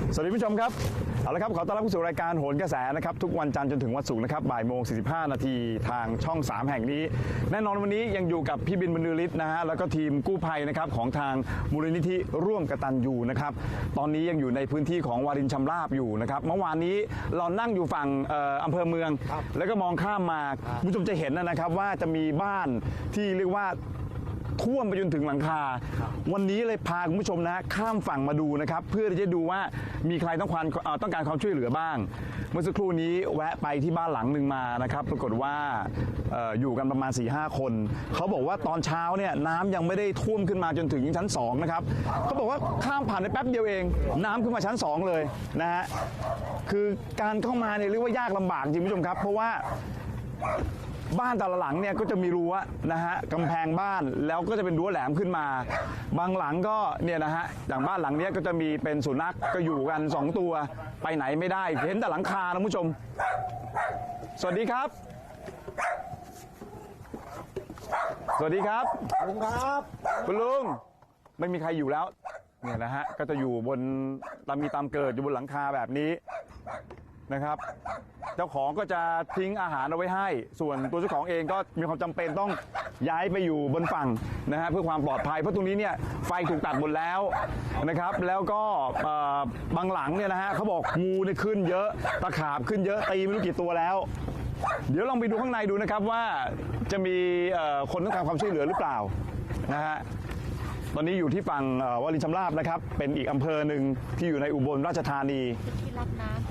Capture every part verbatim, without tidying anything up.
สวัสดีผู้ชมครับเอาละครับขอต้อนรับเข้าสู่รายการโหนกระแสนะครับทุกวันจันทร์จนถึงวันศุกร์นะครับบ่ายโมงสี่สิบห้านาทีทางช่องสามแห่งนี้แน่นอนวันนี้ยังอยู่กับพี่บินบรรลือฤทธิ์นะฮะแล้วก็ทีมกู้ภัยนะครับของทางมูลนิธิร่วมกตัญญูนะครับตอนนี้ยังอยู่ในพื้นที่ของวารินชำราบอยู่นะครับเมื่อวานนี้เรานั่งอยู่ฝั่งอำเภอเมืองแล้วก็มองข้ามมาผู้ชมจะเห็นนะครับว่าจะมีบ้านที่เรียกว่าท่วมไปจนถึงหลังคาวันนี้เลยพาคุณผู้ชมนะข้ามฝั่งมาดูนะครับเพื่อที่จะดูว่ามีใครต้องการต้องการความช่วยเหลือบ้างเมื่อสักครู่นี้แวะไปที่บ้านหลังหนึ่งมานะครับปรากฏว่า อ, ออยู่กันประมาณ สี่ห้า คนเขาบอกว่าตอนเช้าเนี่ยน้ำยังไม่ได้ท่วมขึ้นมาจนถึงชั้นสองนะครับเขาบอกว่าข้ามผ่านไปแป๊บเดียวเองน้ำขึ้นมาชั้นสองเลยนะฮะคือการเข้ามาเนี่ยเรียกว่ายากลำบากจริงผู้ชมครับเพราะว่าบ้านแต่ละหลังเนี่ยก็จะมีรั้วนะฮะกำแพงบ้านแล้วก็จะเป็นรั้วแหลมขึ้นมาบางหลังก็เนี่ยนะฮะอย่างบ้านหลังนี้ก็จะมีเป็นสุนัขก็อยู่กันสองตัวไปไหนไม่ได้เห็นแต่หลังคานะผู้ชมสวัสดีครับสวัสดีครับลุงครับคุณลุงไม่มีใครอยู่แล้วเนี่ยนะฮะก็จะอยู่บนตามมีตามเกิดอยู่บนหลังคาแบบนี้นะครับเจ้าของก็จะทิ้งอาหารเอาไว้ให้ส่วนตัวเจ้าของเองก็มีความจำเป็นต้องย้ายไปอยู่บนฝั่งนะฮะเพื่อความปลอดภัยเพราะตรงนี้เนี่ยไฟถูกตัดหมดแล้วนะครับแล้วก็บางหลังเนี่ยนะฮะเขาบอกงูเนี่ยขึ้นเยอะตะขาบขึ้นเยอะตีไม่รู้กี่ตัวแล้วเดี๋ยวลองไปดูข้างในดูนะครับว่าจะมีคนต้องการความช่วยเหลือหรือเปล่านะฮะตอนนี้อยู่ที่ฝั่งวารินชำราบนะครับเป็นอีกอำเภอหนึ่งที่อยู่ในอุบลราชธานีที่รับน้ำ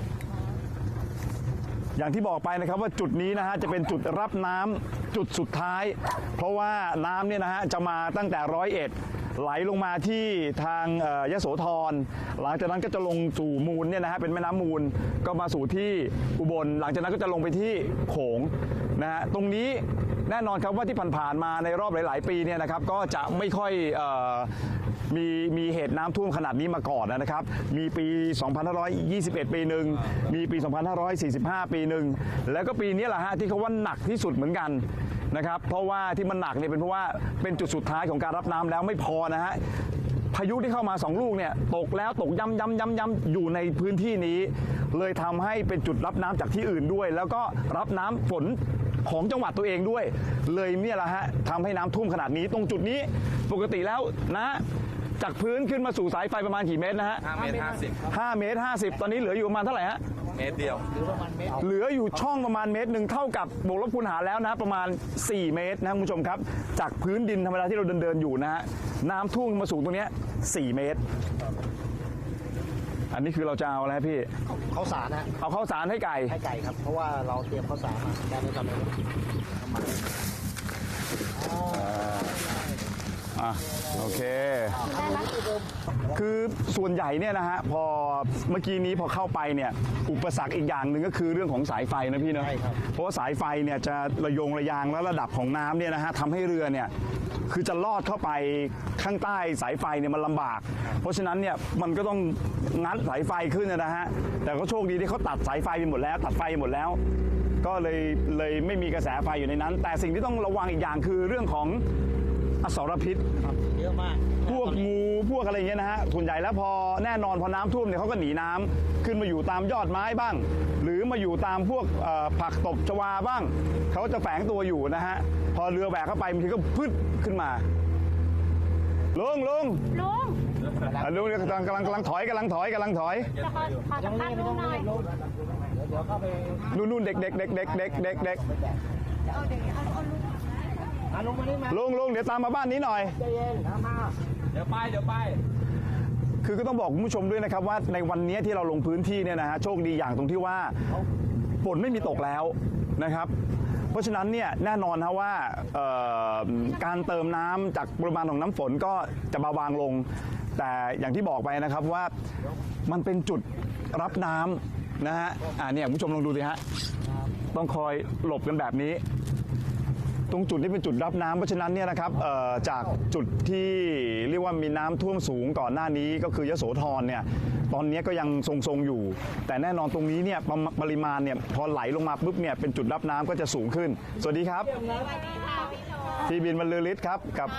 อย่างที่บอกไปนะครับว่าจุดนี้นะฮะจะเป็นจุดรับน้ำจุดสุดท้ายเพราะว่าน้ำเนี่ยนะฮะจะมาตั้งแต่ร้อยเอ็ดไหลลงมาที่ทางยโสธรหลังจากนั้นก็จะลงสู่มูลเนี่ยนะฮะเป็นแม่น้ำมูลก็มาสู่ที่อุบลหลังจากนั้นก็จะลงไปที่โขงนะฮะตรงนี้แน่นอนครับว่าที่ผ่านๆมาในรอบหลายๆปีเนี่ยนะครับก็จะไม่ค่อยมีมีเหตุน้ำท่วมขนาดนี้มาก่อนนะครับมีปีสองพันห้าร้อยยี่สิบเอ็ดปีหนึ่งมีปีสองพันห้าร้อยสี่สิบห้าปีหนึ่งแล้วก็ปีนี้แหละฮะที่เขาว่าหนักที่สุดเหมือนกันนะครับเพราะว่าที่มันหนักเนี่ยเป็นเพราะว่าเป็นจุดสุดท้ายของการรับน้ำแล้วไม่พอนะฮะพายุที่เข้ามาสองลูกเนี่ยตกแล้วตกย้ำย้ำย้ำย้ำอยู่ในพื้นที่นี้เลยทำให้เป็นจุดรับน้ำจากที่อื่นด้วยแล้วก็รับน้ำฝนของจังหวัดตัวเองด้วยเลยเนี่ยแหละฮะทำให้น้ำท่วมขนาดนี้ตรงจุดนี้ปกติแล้วนะจากพื้นขึ้นมาสู่สายไฟประมาณกี่เมตรนะฮะห้าเมตรห้าสิบห้าเมตรห้าสิบตอนนี้เหลืออยู่ประมาณเท่าไหร่ฮะเมตรเดียวเหลือประมาณเมตรเหลืออยู่ช่องประมาณเมตรหนึ่งเท่ากับบวกลบคูณหารแล้วนะประมาณสี่เมตรนะคุณผู้ชมครับจากพื้นดินธรรมดาที่เราเดินเดินอยู่นะฮะน้ำท่วมมาสูงตรงนี้สี่เมตรอันนี้คือเราจะเอาอะไรพี่ข้าวสารนะเอาข้าวสารให้ไก่ให้ไก่ครับเพราะว่าเราเตรียมข้าวสารมาได้ไม่จำเป็นอ่ะโอเคคือส่วนใหญ่เนี่ยนะฮะพอเมื่อกี้นี้พอเข้าไปเนี่ยอุปสรรคอีกอย่างหนึ่งก็คือเรื่องของสายไฟนะพี่เนาะเพราะว่าสายไฟเนี่ยจะระยงระยางแล้วระดับของน้ำเนี่ยนะฮะทำให้เรือเนี่ยคือจะลอดเข้าไปข้างใต้สายไฟเนี่ยมันลำบากเพราะฉะนั้นเนี่ยมันก็ต้องงัดสายไฟขึ้นนะฮะแต่ก็โชคดีที่เขาตัดสายไฟไปหมดแล้วตัดไฟหมดแล้วก็เลยเลยไม่มีกระแสไฟอยู่ในนั้นแต่สิ่งที่ต้องระวังอีกอย่างคือเรื่องของอสรพิษเยอะมากพวกงูพวกอะไรเงี้ยนะฮะส่วนใหญ่แล้วพอแน่นอนพอน้ำท่วมเนี่ยเขาก็หนีน้ำขึ้นมาอยู่ตามยอดไม้บ้างหรือมาอยู่ตามพวกผักตบชวาบ้างเขาจะแฝงตัวอยู่นะฮะพอเรือแบกเข้าไปบางทีก็พึดขึ้นมาลุงลุงลุงลุงกำลังกำลังกำลังถอยกำลังถอยกำลังถอยจะขอขอสัมภาษณ์ลุงหน่อยเดี๋ยวเข้าไปนู่นนู่นเด็กเด็กเด็กเด็กเด็กเด็กเด็กเอาเด็กเอาลุงลุงมานี่มาลุงลุงเดี๋ยวตามมาบ้านนี้หน่อยใจเย็นมาเดี๋ยวไปเดี๋ยวไปคือก็ต้องบอกคุณผู้ชมด้วยนะครับว่าในวันนี้ที่เราลงพื้นที่เนี่ยนะฮะโชคดีอย่างตรงที่ว่าฝนไม่มีตกแล้วนะครับเพราะฉะนั้นเนี่ยแน่นอนนะว่าการเติมน้ำจากปริมาณของน้ำฝนก็จะเบาบางลงแต่อย่างที่บอกไปนะครับว่ามันเป็นจุดรับน้ำนะฮะอ่าเนี่ยคุณผู้ชมลองดูสิฮะต้องคอยหลบกันแบบนี้ตรงจุดนี้เป็นจุดรับน้ำเพราะฉะนั้นเนี่ยนะครับเอ่อจากจุดที่เรียกว่ามีน้ำท่วมสูงก่อนหน้านี้ก็คือยโสธรเนี่ยตอนนี้ก็ยังทรงๆอยู่ แต่แน่นอนตรงนี้เนี่ยปริปริมาณเนี่ยพอไหลลงมาปุ๊บเนี่ยเป็นจุดรับน้ำก็จะสูงขึ้น สวัสดีครับพี่บินบรรลือฤทธิ์ครับกับ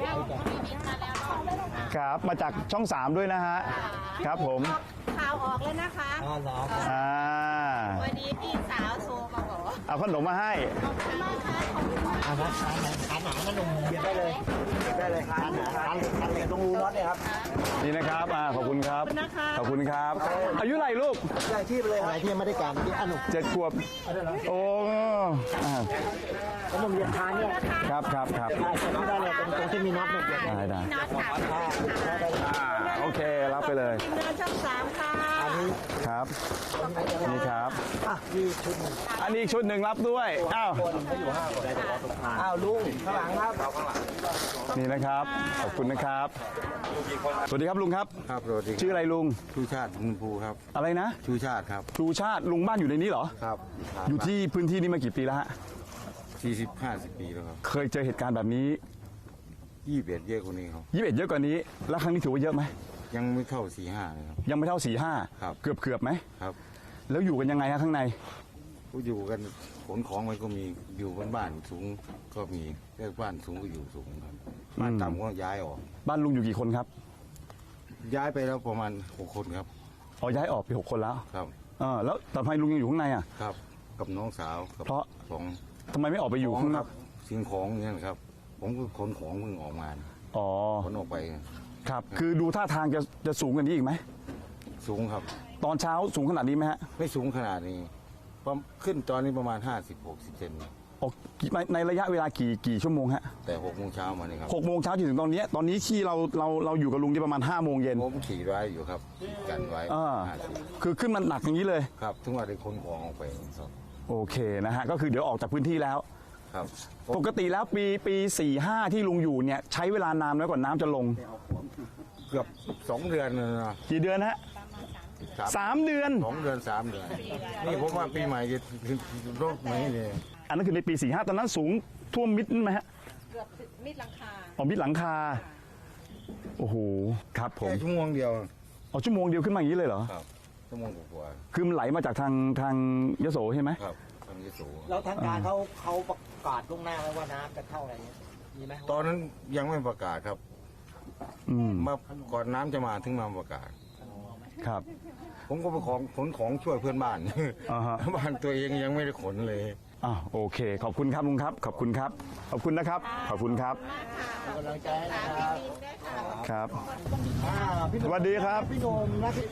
ครับมาจากช่องสามด้วยนะฮะครับผมข่าวออกแล้วนะคะอ๋อเหรออ่าวันนี้พี่สาวโทรมาบอกว่าเอาขนมมาให้อ่านะทานหนังทานหนังมันหนุ่มเบียดได้เลยเบียดได้เลยทานหนังทานทานเหล็กตรงรูน็อตเนี่ยครับนี่นะครับอ่าขอบคุณครับขอบคุณครับ อายุไหรลูกหลายที่ไปเลยอะไรที่ยังไม่ได้การที่อันหนุ่มเจ็ดขวบโอ้อ่าขนมเบียดทานเนี่ยครับครับครับได้ใช้ได้เลยตรงตรงที่มีน็อตเนี่ยเบียดได้ได้ได้น็อตค่ะอ่าโอเครับไปเลยทีมงานช่องสามค่ะอันนี้ครับนี่ครับอ่ะนี่ชุดหนึ่งอันนี้อีกชุดหนึ่งรับด้วยอ้าวคนก็อยู่ห้าคนอ้าวลุงข้างหลังครับนี่นะครับขอบคุณนะครับสวัสดีครับลุงครับครับสวัสดีชื่ออะไรลุงชูชาติมุนภูครับอะไรนะชูชาติครับชูชาติลุงบ้านอยู่ในนี้เหรอครับอยู่ที่พื้นที่นี้มากี่ปีแล้วฮะสี่สิบห้าสิบปีแล้วครับเคยเจอเหตุการณ์แบบนี้ยี่สิบเอ็ดเยอะกว่านี้ครับยี่สิบเอ็ดเยอะกว่านี้ แล้วครั้งนี้ถือว่าเยอะไหมยังไม่เท่าสี่ห้าเลยครับยังไม่เท่าสี่ห้าครับเกือบเกือบไหมครับแล้วอยู่กันยังไงฮะข้างในผู้อยู่กันขนของมันก็มีอยู่บนบ้านสูงก็มีเรียกบ้านสูงก็อยู่สูงครับบ้านต่ำก็ย้ายออกบ้านลุงอยู่กี่คนครับย้ายไปแล้วประมาณหกคนครับอ๋อย้ายออกไปหกคนแล้วครับเออแล้วแต่ทำไมลุงยังอยู่ข้างในอ่ะครับกับน้องสาวกับเพราะสองทำไมไม่ออกไปอยู่ข้างนคอรักบสิ่งของเนี่ยนะครับ ผมก็ขนของเพิ่งออกมาอ๋อขนออกไปครับ คือดูท่าทางจะจะสูงกว่านี้อีกไหมสูงครับตอนเช้าสูงขนาดนี้ไหมฮะไม่สูงขนาดนี้ประมาณขึ้นตอนนี้ประมาณห้าสิบหกสิบเซนออกในในระยะเวลากี่กี่ชั่วโมงฮะแต่หกโมงเช้ามานี่ครับหกโมงเช้าจนถึงตอนเนี้ยตอนนี้ที่เราเราเราอยู่กับลุงที่ประมาณห้าโมงเย็นผมขี่ไว้อยู่ครับกันไว้อ่าห้าสิบคือขึ้นมันหนักอย่างนี้เลยครับถึงว่าได้ขนของออกไปครับโอเคนะฮะก็คือเดี๋ยวออกจากพื้นที่แล้วครับปกติแล้วปีปีสี่ห้าที่ลุงอยู่เนี่ยใช้เวลานานน้อยกว่าน้ำจะลงเกือบสองเดือนเลยนะกี่เดือนฮะครับสามเดือนสองเดือนสามเดือนนี่ผมว่าปีใหม่จะถึงโรคไหนเลยอันนั้นคือในปีสี่ห้าตอนนั้นสูงท่วมมิดไหมฮะเกือบมิดหลังคาอ๋อมิดหลังคาโอ้โหครับผมแค่ชั่วโมงเดียวอ๋อชั่วโมงเดียวขึ้นมาอย่างนี้เลยเหรอครับชั่วโมงกว่าคือมันไหลมาจากทางทางยโสใช่ไหมๆครับทางยโสแล้วทางการเขาเขาประกาศล่วงหน้าไว้ว่าน้ำจะเข้าอะไรเงี้ยมีไหมตอนนั้นยังไม่ประกาศครับอืมมาก่อนน้ำจะมาถึงมาประกาศครับผมก็ไปของขนของช่วยเพื่อนบ้านอ่าฮะบ้านตัวเองยังไม่ได้ขนเลยอ่าโอเค ขอบคุณครับลุงครับ ขอบคุณครับ ขอบคุณนะครับ ขอบคุณครับกำลังใจนะครับครับอ่าพี่หสนุ่มวัสดีครับพี่หนุ่มนะพี่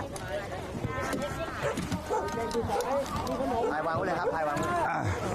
ถ่ายวางไว้เลยครับถ่ายวางไว้อ่ะ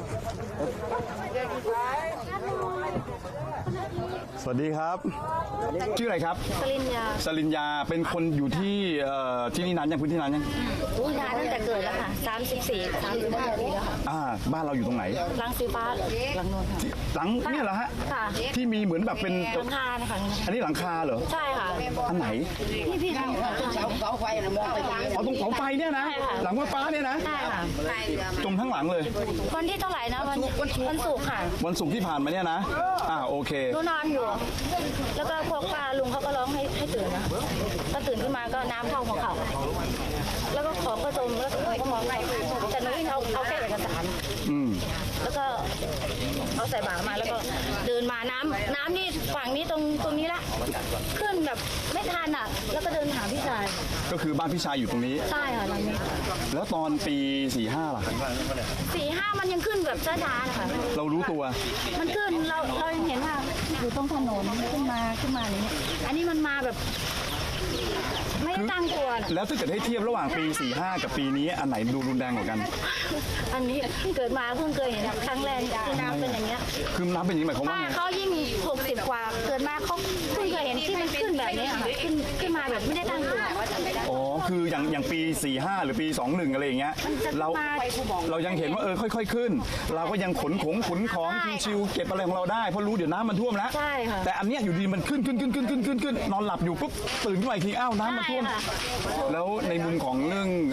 สวัสดีครับ ชื่ออะไรครับปริญญาสลินยาเป็นคนอยู่ที่เอ่อที่นี่นานยังพื้นที่นานยังอุ้ยนานตั้งแต่เกิดแล้วค่ะสามสิบสี่ สามสิบห้าปีแล้วค่ะอ่าบ้านเราอยู่ตรงไหนหลังสีฟ้าหลังโนนค่ะหลังเนี่ยเหรอฮะค่ะที่มีเหมือนแบบเป็นหลังคานะคะอันนี้หลังคาเหรอใช่ค่ะอันไหนนี่พี่ทำค่ะเสาไฟนะมองไปทางอ๋อตรงเสาไฟเนี่ยนะใช่ค่ะหลังว่าฟ้าเนี่ยนะใช่ค่ะตรงข้างหลังเลยวันที่เท่าไหร่นะวันวันศุกร์ค่ะวันศุกร์ที่ผ่านมาเนี่ยนะ อ่าโอเคหนูนอนอยู่ แล้วก็พวกป้าลุงเขาก็ร้องให้ให้ตื่นนะก็ตื่นขึ้นมาก็น้ำเข้าหัวเข่าแล้วก็ของก็จมแล้วก็มองไปแต่หนูเอาเอาแค่เอกสารอืมแล้วก็เอาใส่บาตรมาแล้วก็เดินมาน้ำน้ำนี่ฝั่งนี้ตรงตรงนี้ละขึ้นแบบไม่ทันอ่ะ แล้วก็เดินหาพี่ชายก็คือบ้านพี่ชายอยู่ตรงนี้ใช่ค่ะหลังนี้แล้วตอนปีสี่ห้าล่ะสี่ห้ามันยังขึ้นแบบช้าๆนะคะเรารู้ตัวมันขึ้นเราเรายังเห็นว่าอยู่ตรงถนนขึ้นมาขึ้นมาอย่างนี้อันนี้มันมาแบบ ไม่ได้ตั้งตัวน่ะแล้วถ้าเกิดให้เทียบระหว่างปีสี่ห้ากับปีนี้อันไหนดูรุนแรงกว่ากันอันนี้เกิดมาเพิ่งเคยเห็นครั้งแรกที่น้ำเป็นอย่างเงี้ยคือน้ำเป็นอย่างนี้หมายความว่าป้าไงเขายิ่งหกสิบกว่าเกิดมาเขาเพิ่งเคยเห็นที่มันขึ้นแบบนี้ค่ะขึ้นขึ้นมาแบบไม่ได้ตั้งตัวอ๋อ คืออย่างอย่างปีสี่ห้าหรือปีสองหนึ่งอะไรอย่างเงี้ย เรา เรายังเห็นว่าเออค่อย ๆขึ้น เราก็ยังขนของขนของชิวๆเก็บอะไรของเราได้ เพราะรู้เดี๋ยวน้ำมันท่วมแล้วใช่ค่ะแต่อันเนี้ยอยู่ดีมันขึ้นขึ้นขึ้นขึ้นขึ้นขึ้นขึ้นนอนหลับอยู่ปุ๊บตื่นขึ้นมาอีกทีอ้าวน้ำมันท่วมใช่ค่ะแล้วในมุมของเรื่อง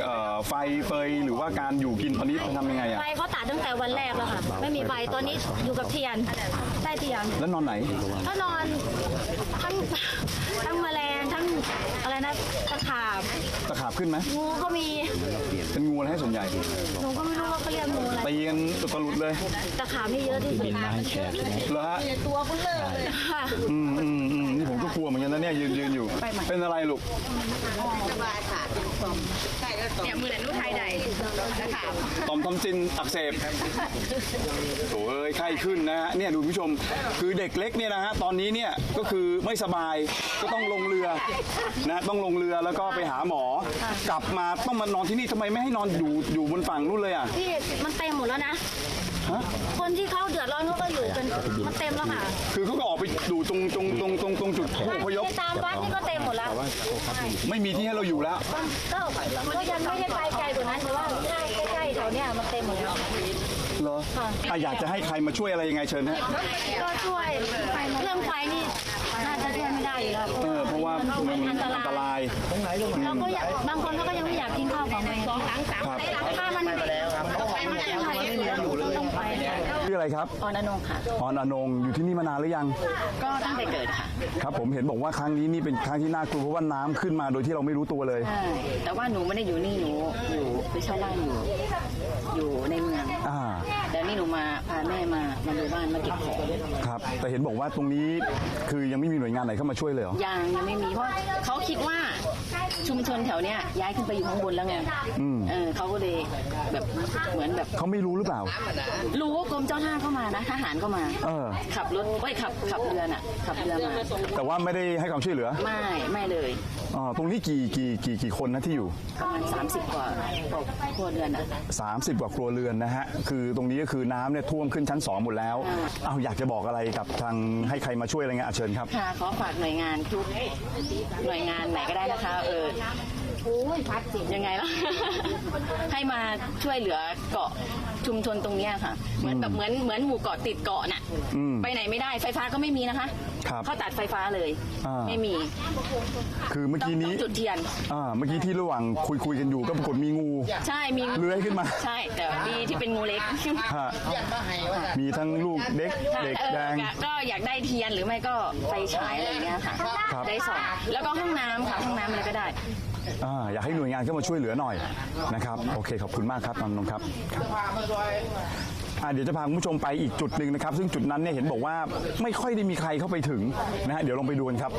เอ่อไฟเฟยหรือว่าการอยู่กินตอนนี้ทำยังไงอ่ะไฟเขาตัดตั้งแต่วันแรกแล้วค่ะ ไม่มีไฟตอนนี้อยู่กับเทียนใต้เทียนแล้วนอนไหนก็นอนทั้งทั้งแมลงทั้งอะไรนะตะขาบตะขาบขึ้นไหมงูก็มีเป็นงูอะไรให้ส่วนใหญ่หนูก็ไม่รู้ว่าเขาเรียกงูอะไรตีกันอุตลุดเลยตะขาบนี่เยอะที่สุดเหรอฮะตัวคุณเลยค่ะอืมอืมอืมนี่ผมก็กลัวเหมือนกันนะเนี่ยยืนยืนอยู่ เป็นอะไรลูกเนี่ยมือหนันลูกไทยใดนะคะต่อมทำจินอักเสบโอ้ยไข้ขึ้นนะฮะเนี่ยดูผู้ชมคือเด็กเล็กเนี่ยนะฮะตอนนี้เนี่ยก็คือไม่สบายก็ต้องลงเรือนะต้องลงเรือแล้วก็ไปหาหมอ กลับมาต้องมานอนที่นี่ทำไมไม่ให้นอนอยู่อยู่บนฝั่งนู่นเลยอ่ะพี่มันเต็มหมดแล้วนะฮะคนที่เขาเดือดร้อนเขาก็อยู่กันมันเต็มแล้วค่ะคือเขาก็ออกไปดูตรงตรงตรงตรงตรงจุดผู้อพยพที่ตามวัดนี่ก็เต็มหมดแล้วไม่มีที่ให้เราอยู่แล้วก็ก็ยังไม่ได้ไปไกลกว่านั้นแต่ว่าใกล้ๆแถวเนี้ยมันเต็มหมดแล้วเหรอค่ะอ่ะอยากจะให้ใครมาช่วยอะไรยังไงเชิญฮะก็ช่วยเรื่องไฟนี่น่าจะช่วยไม่ได้อยู่แล้วเออเพราะว่ามันอันตอันตรายรายเราก็อยากบางคนเขาก็ยังไม่อยากกินข้าวของตัวเองสองหลังสามถ้ามันไม่กินไฟต้องไปชื่ออะไรครับออนอนงค่ะออนอนงอยู่ที่นี่มานานหรือยังก็ตั้งแต่เกิดค่ะครับผมเห็นบอกว่าครั้งนี้นี่เป็นครั้งที่น่ากลัวเพราะว่าน้ำขึ้นมาโดยที่เราไม่รู้ตัวเลยใช่ แต่ว่าหนูไม่ได้อยู่นี่หนูอยู่ไปเช่าบ้านอยู่ อยู่ในเมืองอ่าแต่นี่หนูมาพาแม่มามาดูบ้านมาเก็บของครับ แต่เห็นบอกว่าตรงนี้คือยังไม่มีหน่วยงานไหนเข้ามาช่วยเลยเหรอยังยังไม่มีเพราะเขาคิดว่าชุมชนแถวเนี้ยย้ายขึ้นไปอยู่ข้างบนแล้วไงอืมเออเขาก็เลยแบบเหมือนแบบเขาไม่รู้หรือเปล่ารู้ว่ากรมเจ้าท่าเข้ามานะทหารก็มาเออขับรถเอ้ยขับขับเรือน่ะขับเรือมาแต่ว่าไม่ได้ให้ความช่วยเหลือไม่ไม่เลยอ่าตรงนี้กี่กี่กี่กี่คนนะที่อยู่ประมาณสามสิบกว่าครัวเรือนอ่ะ 30 กว่าครัวเรือนนะฮะ คือตรงนี้ก็คือน้ำเนี่ยท่วมขึ้นชั้นสองหมดแล้วอ่าเอาอยากจะบอกอะไรกับทางให้ใครมาช่วยอะไรเงี้ยอ่ะเชิญครับค่ะขอฝากหน่วยงานทุกหน่วยงานไหนก็ได้นะคะ เออยังไงล่ะ ให้มาช่วยเหลือเกาะชุมชนตรงเนี้ยค่ะ เหมือนแบบเหมือนเหมือนหมู่เกาะติดเกาะน่ะอืมไปไหนไม่ได้ไฟฟ้าก็ไม่มีนะคะครับเขาตัดไฟฟ้าเลยอ่าไม่มีคือเมื่อต้องกี้ต้อนี้งจุดเทียนอ่าเมื่อกี้ที่ระหว่างคุยคุยกันอยู่ก็ปรากฏมีงูใช่มีเลื้อยขึ้นมาใช่แต่ดีที่เป็นงูเล็กฮะมีทั้งลูกเด็กเด็กเออแดงก็อยากได้เทียนหรือไม่ก็ไฟฉายอะไรเงี้ยค่ะครับได้สองแล้วก็ห้องน้ำค่ะห้องน้ำอะไรก็ได้อ่าอยากให้หน่วยงานเข้ามาช่วยเหลือหน่อยนะครับ โอเคขอบคุณมากครับน้องนงครับอ่าเดี๋ยวจะพาคุณผู้ชมไปอีกจุดหนึ่งนะครับ ซึ่งจุดนั้นเนี่ยเห็นบอกว่าไม่ค่อยได้มีใครเข้าไปถึงนะฮะเดี๋ยวลองไปดูกันครับ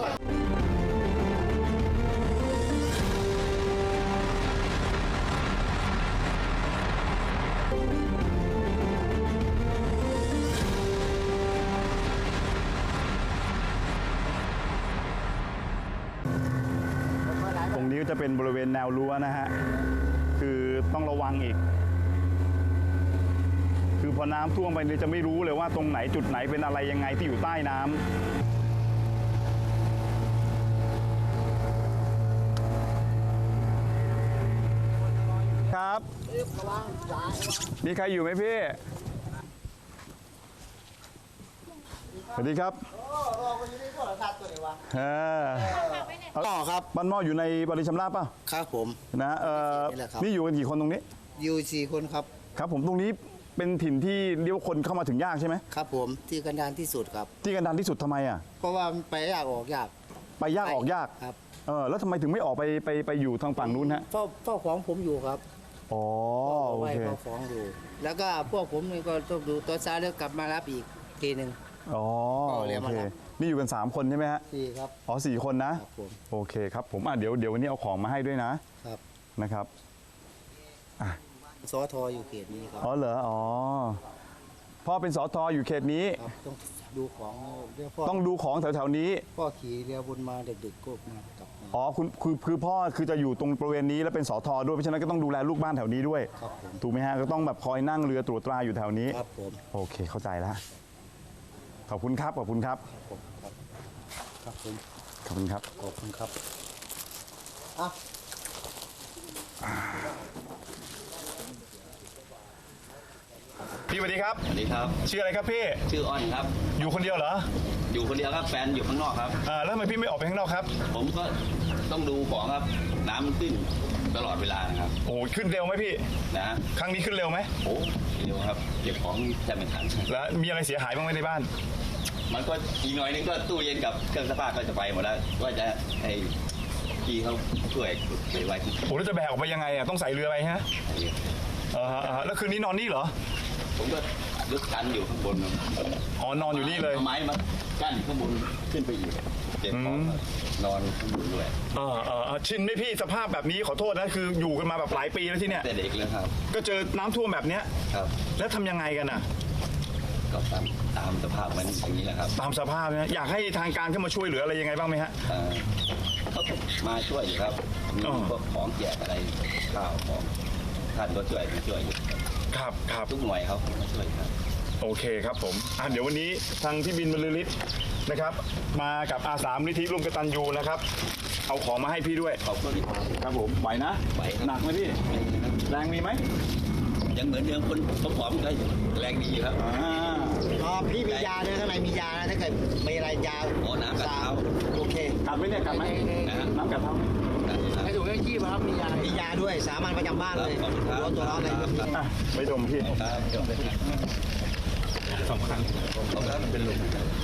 ตรงนี้ก็จะเป็นบริเวณแนวรั้วนะฮะ คือต้องระวังอีก คือพอน้ำท่วมไปเนี่ยจะไม่รู้เลยว่าตรงไหนจุดไหนเป็นอะไรยังไงที่อยู่ใต้น้ำครับ มีใครอยู่ไหมพี่ สวัสดีครับเออต่อครับบ้านหม้ออยู่ในบริชำราบป่ะครับผมนะเออนี่แหละครับนี่อยู่กันกี่คนตรงนี้อยู่สี่คนครับครับผมตรงนี้เป็นถิ่นที่เรียกว่าคนเข้ามาถึงยากใช่ไหมครับผมที่กันดานที่สุดครับที่กันดารที่สุดทำไมอ่ะเพราะว่ามันไปยากออกยากไปยากออกยากครับเออแล้วทำไมถึงไม่ออกไปไปไปอยู่ทางฝั่งนู้นฮะเฝ้าเฝ้าของผมอยู่ครับอ๋อโอไว้เคเฝ้าของอยู่ แล้วก็พวกผมนี่ก็ต้องดูตัวซ้ายแล้วกลับมารับอีกทีหนึ่งอ๋อก็โอเรียกเคมารับนี่อยู่กันสามคนใช่ไหมฮะสี่ครับอ๋อสี่คนนะครับผมโอเคครับผมอ่ะเดี๋ยวเดี๋ยววันนี้เอาของมาให้ด้วยนะครับ นะครับอ่ะสอทออยู่เขตนี้ครับอ๋อเหรออ๋อพ่อเป็นสอทออยู่เขตนี้ครับต้องดูของเรียกพ่อต้องดูของแถวๆนี้พ่อขี่เรือบนมาดึกๆก็มากลับมาอ๋อคุณคือคือพ่อคือจะอยู่ตรงบริเวณนี้แล้วเป็นสอทอด้วยเพราะฉะนั้นก็ต้องดูแลลูกบ้านแถวนี้ด้วยครับผมถูกไหมฮะก็ต้องแบบคอยนั่งเรือตรวจตราอยู่แถวนี้ครับผมโอเคเข้าใจแล้วขอบคุณครับขอบคุณครับผมครับครับผมขอบคุณครับขอบคุณครับอ่ะพี่สวัสดีครับสวัสดีครับชื่ออะไรครับพี่ชื่ออ้อนครับอยู่คนเดียวเหรออยู่คนเดียวครับแฟนอยู่ข้างนอกครับอ่าแล้วทำไมพี่ไม่ออกไปข้างนอกครับผมก็ต้องดูของครับ น้ำมันขึ้นตลอดเวลานะครับโอ้โหขึ้นเร็วไหมพี่นะครั้งนี้ขึ้นเร็วไหมโอ้เร็วครับเก็บของจะไม่ทันแล้วมีอะไรเสียหายบ้างไหมในบ้านมันก็อีกหน่อยนึงก็ตู้เย็นกับเครื่องซักผ้าก็จะไปหมดแล้วว่าจะให้พี่เขาช่วยไปไว้ที่โอ้แล้วจะแบกออกไปยังไงอ่ะต้องใส่เรือไปฮะเออฮะเออฮะแล้วคืนนี้นอนนี่เหรอผมก็ลึกกันอยู่ข้างบนอ๋อนอนอยู่นี่เลยอาไม้มากั้นข้างบนขึ้นไปอีกเก็บของนอนข้างบนด้วยเออเออเออชินไหมพี่สภาพแบบนี้ขอโทษนะคืออยู่กันมาแบบหลายปีแล้วที่เนี่ยแต่เด็กเลยครับก็เจอน้ำท่วมแบบเนี้ยครับแล้วทำยังไงกันอ่ะก็ตามตามสภาพมันอย่างนี้แหละครับตามสภาพนะอยากให้ทางการเข้ามาช่วยเหลืออะไรยังไงบ้างไหมฮะเอ่อเขามาช่วยอยู่ครับมีอ๋อพวกของแจกอะไรข้าวของท่านก็ช่วยมาช่วยอยู่ครับครับครับทุกหน่วยเขามาช่วยครับโอเคครับผมอ่ะเดี๋ยววันนี้ทางพี่บินบรรลือฤทธิ์นะครับ มากับอาสามนิธิร่วมกตัญญูนะครับ เอาของมาให้พี่ด้วยขอบคุณครับครับผมไหวนะไหวครับหนักไหมพี่แรงมีไหมยังเหมือนเดิมคนผอมๆก็แรงดีอยู่ครับอ่าอ๋อพี่มียาด้วยข้างในมียานะถ้าเกิดมีอะไรยาโอ้น้ำกัดเท้าโอเคกัดไหมเนี่ยกัดไหมนะฮะน้ำกัดเท้าไหมให้ถูกให้ขี้ครับมียามียาด้วยสามัญประจำบ้านเลยขอบคุณครับร้อนตัวร้อนเลยอ่ะไม่ดมพี่ครับจบเลยครับสองครั้งสองครั้งเป็นลม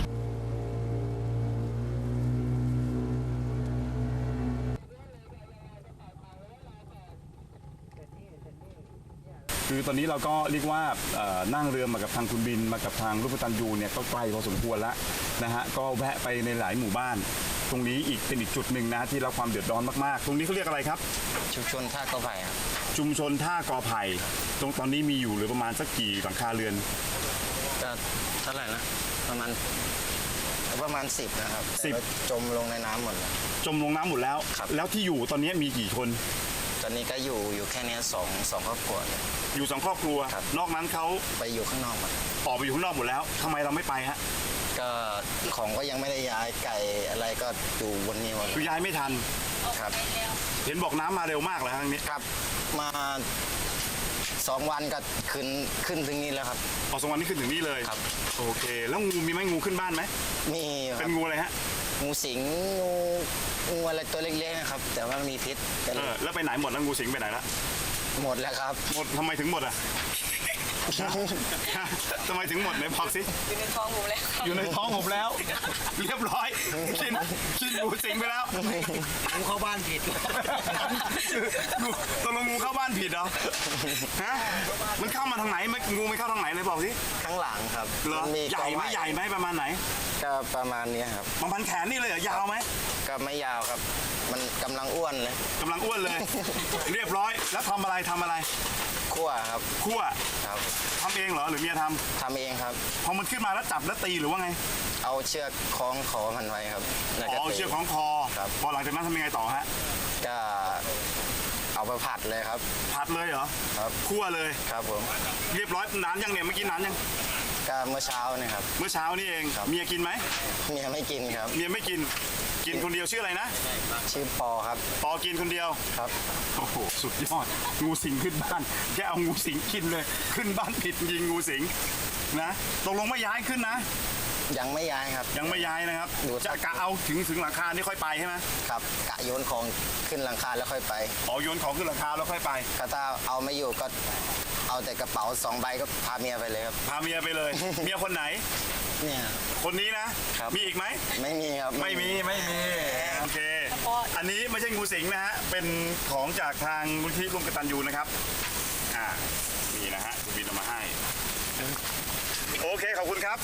คือตอนนี้เราก็เรียกว่าเอ่อนั่งเรือมากับทางคุณบินมากับทางรูปตันยูเนี่ยก็ไกลพอสมควรแล้วนะฮะก็แวะไปในหลายหมู่บ้าน ตรงนี้อีกเป็นอีกจุดหนึ่งนะที่รับความเดือดร้อนมากๆ ตรงนี้เขาเรียกอะไรครับชุมชนท่ากอไผ่ครับชุมชนท่ากอไผ่ตรงตอนนี้มีอยู่เหรือประมาณสักกี่หลังคาเรือนก็เท่าไหร่นะประมาณประมาณสิบนะครับสิบแต่ว่าจมลงในน้ำหมดเลยจมลงน้ำหมดแล้วครับแล้วที่อยู่ตอนนี้มีกี่คนตอนนี้ก็อยู่อยู่แค่เนี้ยสองสองครอบครัวเนี่ยอยู่สองครอบครัวครับนอกนั้นเขาไปอยู่ข้างนอกหมดออกไปอยู่ข้างนอกหมดแล้วทำไมเราไม่ไปฮะก็ของก็ยังไม่ได้ย้ายไก่อะไรก็อยู่บนนี้หมดคือย้ายไม่ทันครับเห็นบอกน้ำมาเร็วมากเลยครั้งนี้ครับมาสองวันก็ขึ้นขึ้นถึงนี่แล้วครับออกสองวันนี้ขึ้นถึงนี่เลยครับโอเค แล้วงูมีไหมงูขึ้นบ้านไหมมีคเป็รับนงูอะไรฮะงูสิงงูงูอะไรตัวเล็กๆนะครับ แต่ว่ามีพิษกันเออแล้วไปไหนหมดแล้วงูสิงไปไหนละหมดแล้วครับหมดทำไมถึงหมดอ่ะ ทำไมถึงหมดไหนบอกสิอยู่ในท้องหมูแล้วอยู่ในท้องผมแล้ว เรียบร้อยกินกินงูสิงไปแล้วงูเข้าบ้านผิดงูตกลงงูเข้าบ้านผิดเหรอฮะมันเข้ามาทางไหนมันงูไม่เข้าทางไหนเลยบอกสิข้างหลังครับเหรอมันมีใหญ่ไหมกอใหญ่ไหมประมาณไหนก็ประมาณเนี้ยครับประมาณแขนนี่เลยเหรอยาวไหมก็ไม่ยาวครับ มันกำลังอ้วนเลยกำลังอ้วนเลย เรียบร้อยแล้วทำอะไรทำอะไรคั่วครับคั่วครับทำเองเหรอหรือเมียทำทำเองครับพอมันขึ้นมาแล้วจับแล้วตีหรือว่าไงเอาเชือกคล้องคอมันไว้ครับแล้วอ๋ก็อตีเชือกของคอครับพอหลังจากนั้นทำยังไงต่อฮะก็เอาไปผัดเลยครับผัดเลยเหรอครับคั่วเลยครับผมเรียบร้อยนานยังเนี่ยเมื่อกี้นานยังก็เมื่อเช้าเนี่ยครับเมื่อเช้านี่เองครับเมียกินไหมเมียไม่กินครับเมียไม่กินกินคนเดียวชื่ออะไรนะชื่อปอครับปอกินคนเดียวครับโอ้โหสุดยอดงูสิงขึ้นบ้านแกเอางูสิงกินเลย ขึ้นบ้านผิดยิงงูสิงนะตกลงไม่ย้ายขึ้นนะยังไม่ย้ายครับยังไม่ย้ายนะครับดูจะกะเอาถึงถึงหลังคานี่ค่อยไปใช่ไหมครับกะโยนของขึ้นหลังคาแล้วค่อยไปอ๋อโยนของขึ้นหลังคาแล้วค่อยไปก็ถ้าเอาไม่อยู่ก็เอาแต่กระเป๋าสองใบก็พาเมียไปเลยครับพาเมียไปเลย เมียคนไหนเนี่ยคนนี้นะครับ มีอีกไหมไม่มีครับไม่มีไม่มีโอเค อันนี้ไม่ใช่งูสิงนะฮะเป็นของจากทางมูลที่ร่วมกตัญญูนะครับอ่านี่นะฮะคุณบินเอามาให้โอเคขอบคุณครับ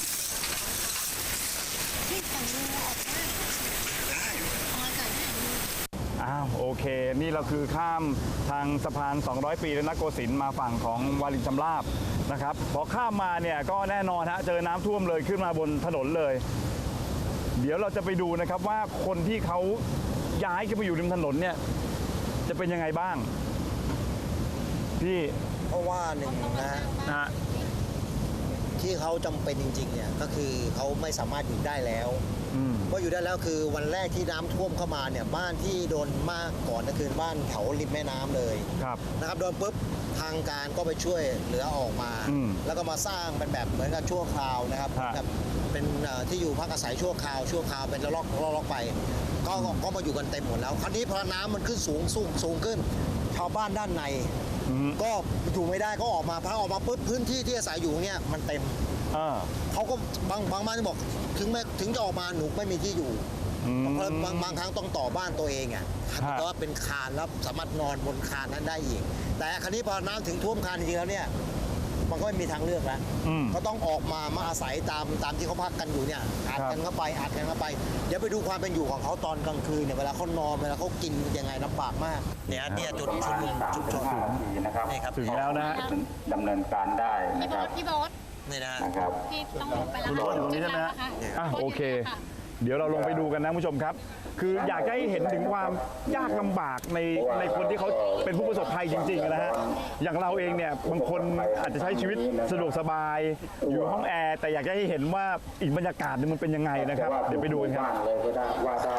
อ้าวโอเค นี่เราคือข้ามทางสะพานสองร้อยปีแล้วนะโกสินทร์มาฝั่งของวารินชำราบนะครับพอข้ามมาเนี่ยก็แน่นอนฮะเจอน้ำท่วมเลยขึ้นมาบนถนนเลย เดี๋ยวเราจะไปดูนะครับว่าคนที่เขาย้ายขึ้นมาอยู่ริมถนนเนี่ยจะเป็นยังไงบ้าง พี่เพราะว่าหนึ่งนะฮะนะฮะที่เขาจำเป็นจริงๆเนี่ยก็คือเขาไม่สามารถอยู่ได้แล้วอืมเพราะอยู่ได้แล้วคือวันแรกที่น้ำท่วมเข้ามาเนี่ยบ้านที่โดนมากก่อนก็คือบ้านแถวริมแม่น้ำเลยครับนะครับโดนปุ๊บทางการก็ไปช่วยเหลือออกมาอืมแล้วก็มาสร้างเป็นแบบเหมือนกับชั่วคราวนะครับฮะแบบเป็นเอ่อที่อยู่พักอาศัยชั่วคราวชั่วคราวเป็นระลอกระลอกไป ก็ก็ก็มาอยู่กันเต็มหมดแล้ว คราวนี้พอน้ำมันขึ้นสูงสูงสูงขึ้น ทชาวบ้านด้านในก็อยู่ไม่ได้ก็ออกมาพอออกมาปุ๊บพื้นที่ที่อาศัยอยู่เนี่ยมันเต็มอ่าเขาก็บางบางบ้านบอกถึงแม้ถึงจะออกมาหนูไม่มีที่อยู่เพราะบางบางครั้งต้องต่อบ้านตัวเองอ่ะแต่ว่าเป็นคานแล้วสามารถนอนบนคานนั้นได้อีกแต่คราวนี้พอน้ำถึงท่วมคานจริงๆแล้วเนี่ยมันก็ไม่มีทางเลือกแล้วเขาต้องออกมามาอาศัยตามตามที่เขาพักกันอยู่เนี่ยอัดกันเข้าไปอัดกันเข้าไปเดี๋ยวไปดูความเป็นอยู่ของเขาตอนกลางคืนเนี่ยเวลาเขานอนเวลาเขากินยังไงลำบากมากเนี่ยเนี่ยจุดชุมนุมชุมชนนี่ครับถึงแล้วนะฮะดำเนินการได้พี่นะโบ๊ครัทบพี่โบ๊ทนี่นะนะครับพี่ต้องลงไปแล้วคุณโบ๊ทอยู่ตรงนี้ใช่ไหมฮะอ่ะโอเค เดี๋ยวเราลงไปดูกันนะคุณผู้ชมครับ คืออยากให้เห็นถึงความยากลำบากในในคนที่เขาเป็นผู้ประสบภัยจริงๆนะฮะ อย่างเราเองเนี่ยบางคนอาจจะใช้ชีวิตสะดวกสบาย อยู่ห้องแอร์แต่อยากให้เห็นว่าอีกบรรยากาศนึงมันเป็นยังไงนะครับ เดี๋ยวไปดูกันครับเลยก็ได้ว่าได้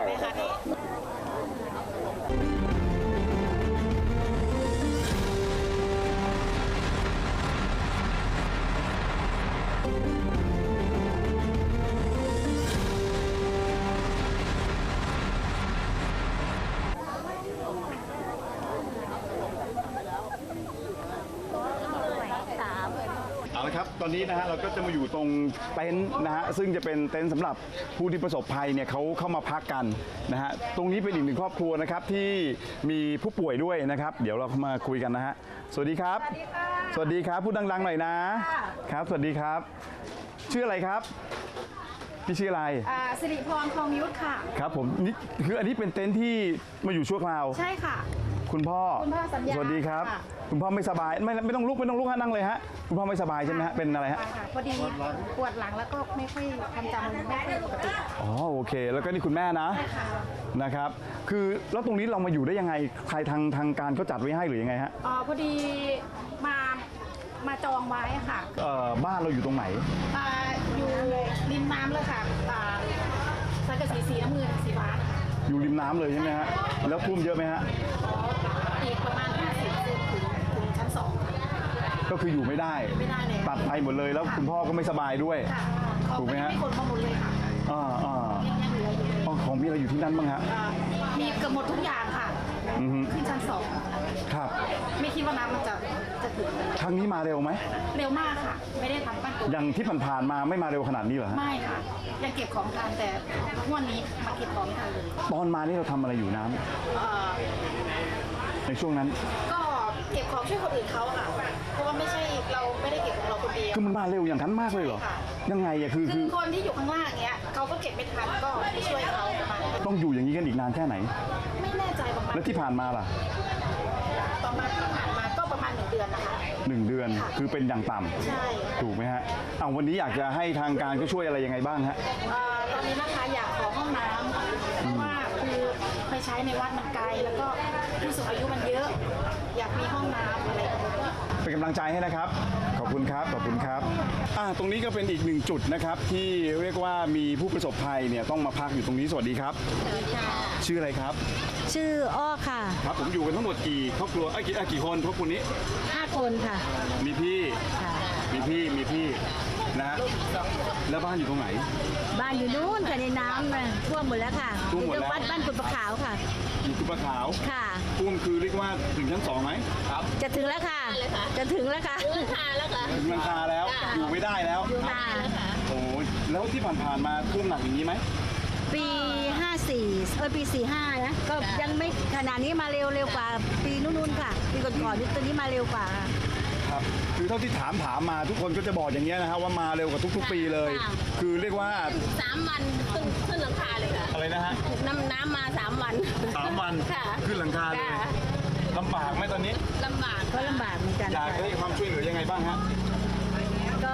เอาละครับ ตอนนี้นะฮะเราก็จะมาอยู่ตรงเต็นท์นะฮะซึ่งจะเป็นเต็นท์สำหรับผู้ที่ประสบภัยเนี่ยเขาเข้ามาพักกันนะฮะตรงนี้เป็นอีกหนึ่งครอบครัวนะครับที่มีผู้ป่วยด้วยนะครับ เดี๋ยวเรามาคุยกันนะฮะสวัสดีครับ สวัสดีครับพูดดังๆหน่อยนะครับสวัสดีครับ ชื่ออะไรครับพี่ชื่ออะไรอ่าสิริพรทองยุทธค่ะครับผมนี่คืออันนี้เป็นเต็นท์ที่มาอยู่ชั่วคราวใช่ค่ะคุณพ่อคุณพ่อสัญญาสวัสดีครับค่ะคุณพ่อไม่สบายไม่ไม่ต้องลุกไม่ต้องลุกฮะนั่งเลยฮะคุณพ่อไม่สบายใช่ไหมฮะเป็นอะไรฮะค่ะพอดีปวดหลังแล้วก็ไม่ค่อยความจำไม่ค่อยปกติอ๋อโอเค แล้วก็นี่คุณแม่นะนะครับ คือแล้วตรงนี้เรามาอยู่ได้ยังไงใครทางทางการเขาจัดไว้ให้หรือยังไงฮะอ๋อพอดีมามาจองไว้ค่ะเอ่อบ้านเราอยู่ตรงไหนอ่าอยู่ริมน้ำเลยค่ะอ่าสังกะสีสีน้ำเงินสีฟ้าอยู่ริมน้ำเลยใช่ไหมฮะแล้วท่วมเยอะไหมฮะอีกประมาณห้าสิบเซนถึงถึงชั้นสองก็คืออยู่ไม่ได้ไม่ได้เลยตัดไปหมดเลยแล้วคุณพ่อก็ไม่สบายด้วยค่ะเขาถูกไหมไม่ฮะได้ขนมาหมดเลยค่ะอ่าอ่ายังยังเหลืออยู่เลยอ๋อของพี่อะไรอยู่ที่นั่นบ้างฮะอ่ามีเกือบหมดทุกอย่างค่ะอือฮึขึ้นชั้นสองครับไม่คิดว่าน้ำมันจะจะถึงครั้งนี้มาเร็วไหมเร็วมากค่ะ ไม่ได้ทำปั้นตัวอย่างที่ผ่านๆมาไม่มาเร็วขนาดนี้เหรอฮะไม่ค่ะ ยังเก็บของทันแต่งวดนี้มาเก็บของไม่ทันเลยตอนมานี่เราทำอะไรอยู่น้ำเอ่อในช่วงนั้นก็เก็บของช่วยคนอื่นเขาค่ะ เพราะว่าไม่ใช่เราไม่ได้เก็บของเราคนเดียวคือมันมาเร็วอย่างนั้นมากเลยเหรอใช่ค่ะยังไงอะคือคืคือ อคนที่อยู่ข้างล่างเนี้ยเขาก็เก็บไม่ทันก็ไปช่วยเขาประมาณนั้นต้องอยู่อย่างนี้กันอีกนานแค่ไหนไม่แน่ใจประมาณแล้วที่ผ่านมาล่ะประมาณที่ผ่านมาก็ประมาณหนึ่งเดือนนะคะหนึ่งเดือนค่ะคือเป็นอย่างต่ำใช่ถูกไหมฮะเอาวันนี้อยากจะให้ทางการก็ช่วยอะไรยังไงบ้างฮะเอ่อตอนนี้นะคะอยากขอห้องน้ำเพราะว่าคือไปใช้ในวัดมันไกลแล้วก็ผู้สูงอายุมันเยอะ อยากมีห้องน้ำอะไรแบบนี้เป็นกำลังใจให้นะครับ ขอบคุณครับ ขอบคุณครับอ่าตรงนี้ก็เป็นอีกหนึ่งจุดนะครับ ที่เรียกว่ามีผู้ประสบภัยเนี่ยต้องมาพักอยู่ตรงนี้ สวัสดีครับ ชื่ออะไรครับชื่ออ้อค่ะครับ ผมอยู่กันทั้งหมดกี่ครอบครัวเอ้ยกี่เอ้ยกี่คนครอบครัวนี้ห้าคนค่ะมีพี่ค่ะมีพี่ มีพี่นะฮะแล้วบ้านอยู่ตรงไหนบ้านอยู่นู้นค่ะในน้ำนะท่วมหมดแล้วค่ะท่วมหมดแล้วอยู่ตรงวัดบ้านกุดประขาวค่ะอยู่กุปะขาวค่ะท่วมคือเรียกว่าถึงชั้นสองไหมครับจะถึงแล้วค่ะ จะถึงแล้วค่ะราคาแล้วค่ะถึงหลังคาแล้ว อยู่ไม่ได้แล้วค่ะโอ้ยแล้วที่ผ่านๆมาท่วมหนักอย่างนี้ไหมปีห้าสี่เออปีสี่ห้านะ ก็ยังไม่ขนาดนี้มาเร็วเร็วกว่า ปีนู้นๆค่ะ ปีก่อนๆนี่ตัวนี้มาเร็วกว่าค่ะครับ คือเท่าที่ถามถามมาทุกคนก็จะบอกอย่างเงี้ยนะฮะว่ามาเร็วกว่าทุก ๆ ปีเลยค่ะคือเรียกว่าสามวันขึ้นขึ้นหลังคาเลยค่ะอะไรนะฮะน้ำน้ำมาสามวันสามวันค่ะขึ้นหลังคาเลยค่ะลำบากไหมตอนนี้ลำบากก็ลำบากเหมือนกันอยากค่ะให้ความช่วยเหลือยังไงบ้างฮะก็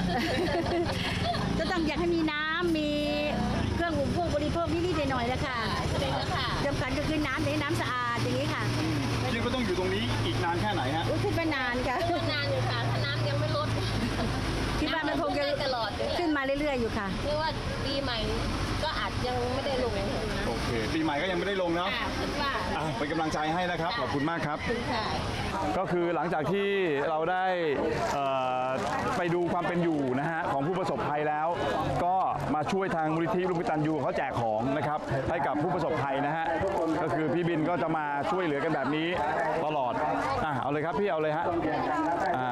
ก็ต้องอยากให้มีน้ำมีเครื่องอุปโภคบริโภคนิดๆหน่อยๆนะคะเป็นแล้วค่ะสำคัญก็คือน้ำในน้ำสะอาดอย่างนี้ค่ะคิดว่าต้องอยู่ตรงนี้อีกนานแค่ไหนฮะอุ้ยขึ้นมานานค่ะนานอยู่ค่ะ ถ้าน้ำยังไม่ลดคิดว่ามันคงจะได้ตลอดเลยขึ้นมาเรื่อยๆอยู่ค่ะเรียกว่าปีใหม่ก็อาจยังไม่ได้ลงโอเค ปีใหม่ก็ยังไม่ได้ลงเนาะค่ะคิดว่าอ่ะเป็นกำลังใจให้นะครับ ขอบคุณมากครับค่ะก็คือหลังจากที่เราได้เอ่อไปดูความเป็นอยู่นะฮะของผู้ประสบภัยแล้ว ก็มาช่วยทางมูลนิธิร่วมกตัญญูเขาแจกของนะครับให้กับผู้ประสบภัยนะฮะก็คือพี่บินก็จะมาช่วยเหลือกันแบบนี้ตลอดอ่ะเอาเลยครับพี่เอาเลยฮะอ่า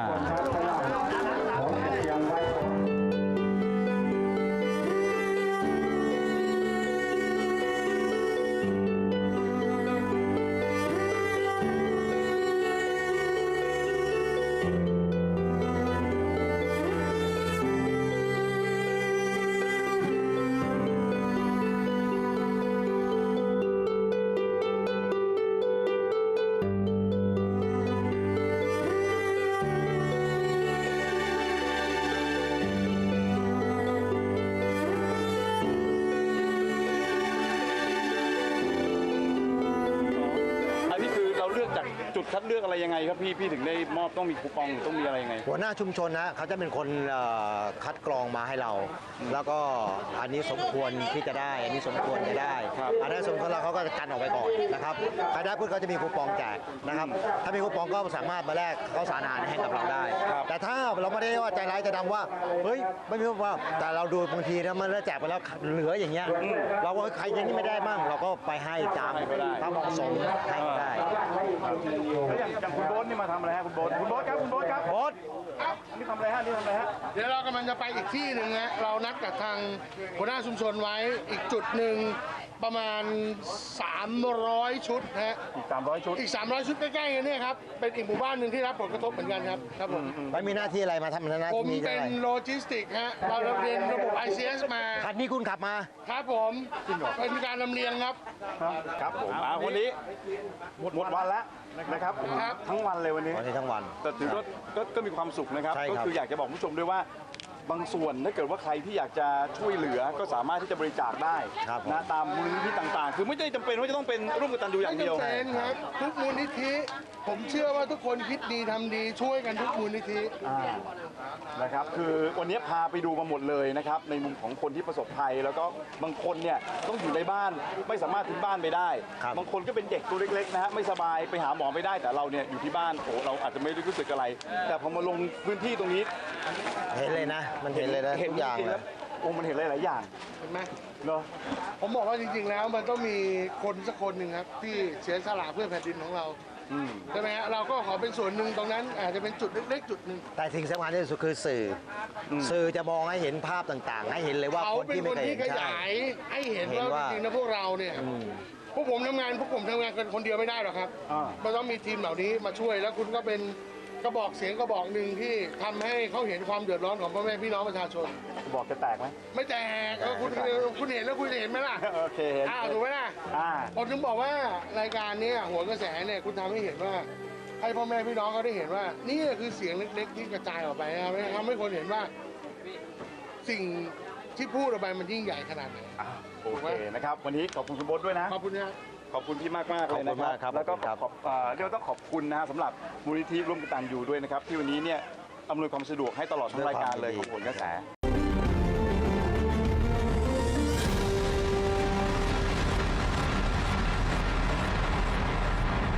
จุดคัดเลือกอะไรยังไงครับพี่พี่ถึงได้มอบต้องมีคูปองหรือต้องมีอะไรยังไงหัวหน้าชุมชนนะเขาจะเป็นคนเอ่อคัดกรองมาให้เรา แล้วก็อันนี้สมควรที่จะได้ อันนี้สมควรจะได้อันนั้นสมควรแล้วเขาก็จะกันออกไปก่อนนะครับใครได้ปุ๊บเขาจะมีคูปองแจกนะครับถ้ามีคูปองก็สามารถมาแลกข้าวสารอาหารให้กับเราได้ แต่ถ้าเราไม่ได้ว่าใจร้ายใจดำว่าเฮ้ยไม่มีคูปองแต่เราดูบางทีนะมันแจกไปแล้วเหลืออย่างเงี้ยเราก็ใครยังไม่ได้บ้างเราก็ไปให้ตามตามเหมาะสมให้ได้แล้วอย่างอย่างคุณโบ๊ทนี่มาทำอะไรฮะคุณโบ๊ทคุณโบ๊ทครับคุณโบ๊ทครับโบ๊ทนี่ทำอะไรฮะนี่ทำอะไรฮะเดี๋ยวเรากำลังจะไปอีกที่หนึ่งฮะเรานัดกับทางหัวหน้าชุมชนไว้อีกจุดหนึ่งประมาณสามร้อยชุดฮะอีกสามร้อยชุดอีกสามร้อยชุดใกล้ๆกันเนี่ยครับเป็นอีกหมู่บ้านหนึ่งที่รับผลกระทบเหมือนกันครับครับผมไม่มีหน้าที่อะไรมาทำหน้าผมที่เป็นอะไรโลจิสติกฮะเราเรียนระบบ ไอ ซี เอส มาคันนี้คุณขับมาครับผมเป็นการลำเลียงครับครับผมอ่าวันนี้หมดหมดวันแล้วนะครับทั้งวันเลยวันนี้วันนี้ทั้งวันแต่ถือว่าก็ก็มีความสุขนะครับใช่ก็ครับคืออยากจะบอกผู้ชมด้วยว่าบางส่วนถ้าเกิดว่าใครที่อยากจะช่วยเหลือก็สามารถที่จะบริจาคได้ครับนะตามมูลนิธิต่างๆ คือไม่ได้จำเป็นว่าจะต้องเป็นร่วมกตัญญูอย่างเดียวไม่จำเป็นครับทุกมูลนิธิผมเชื่อว่าทุกคนคิดดีทำดีช่วยกันทุกมูลนิธิอ่านะครับคือวันนี้พาไปดูมาหมดเลยนะครับในมุมของคนที่ประสบภัย แล้วก็บางคนเนี่ยต้องอยู่ในบ้านไม่สามารถทิ้งบ้านไปได้ครับบางคนก็เป็นเด็กตัวเล็กๆนะฮะไม่สบายไปหาหมอไม่ได้แต่เราเนี่ยอยู่ที่บ้านโอ้เราอาจจะไม่ได้รู้สึกอะไร แต่พอมาลงพื้นที่ตรงนี้เห็นเลยนะ มันเห็นเลยนะเห็นทุกอย่างจริงๆเลแล้ยวโอ้มันเห็นหลายๆอย่างเห็นไหมเนาะผมบอกว่าจริงๆแล้วมันต้องมีคนสักคนหนึ่งครับที่เสียสละเพื่อแผ่นดินของเราอืมใช่ไหมฮะเราก็ขอเป็นส่วนหนึ่งตรงนั้นอาจจะเป็นจุดเล็กๆจุดหนึ่งแต่สิ่งสำคัญที่สุดคือสื่ออสื่อจะมองให้เห็นภาพต่างๆ ให้เห็นเลยว่าเขาคนเป็นที่คไม่นเคยที่เห็นขใช่ยายให้เห็นเห็นว่าว่าจริงๆนะพวกเราเนี่ยพวกผมทำงานพวกผมทำงานกันคนเดียวไม่ได้หรอกครับอ่ามันต้องมีทีมเหล่านี้มาช่วยแล้วคุณก็เป็นกระบอกเสียงกระบอกหนึ่งที่ทำให้เขาเห็นความเดือดร้อนของพ่อแม่พี่น้องประชาชนบอกจะแตกไหมไม่แตกเออคุณคุณเห็นแล้วคุณจะเห็นไหมล่ะโอเคเห็นอ้าวถูกไหมล่ะอ่าผมถึงบอกว่ารายการเนี้หัวกระแสเนี่ยคุณทำให้เห็นว่า ให้พ่อแม่พี่น้องเขาได้เห็นว่า นี่คือเสียงเล็กๆที่กระจายออกไปนะครับทำให้คนเห็นว่า สิ่งที่พูดออกไปมันยิ่งใหญ่ขนาดไหนอ่ะโอเคนะครับวันนี้ขอบคุณคุณโบ๊ทด้วยนะขอบคุณนะครับขอบคุณพี่มากมากๆเลยนะขอบคุณมากครับแล้วก็ขอบคุณครับขอบเอ่อเรียกว่าต้องขอบคุณนะฮะสำหรับมูลนิธิร่วมกตัญญูด้วยนะครับที่วันนี้เนี่ยอำนวยความสะดวกให้ตลอดทั้งรายการเลยของผลกระแส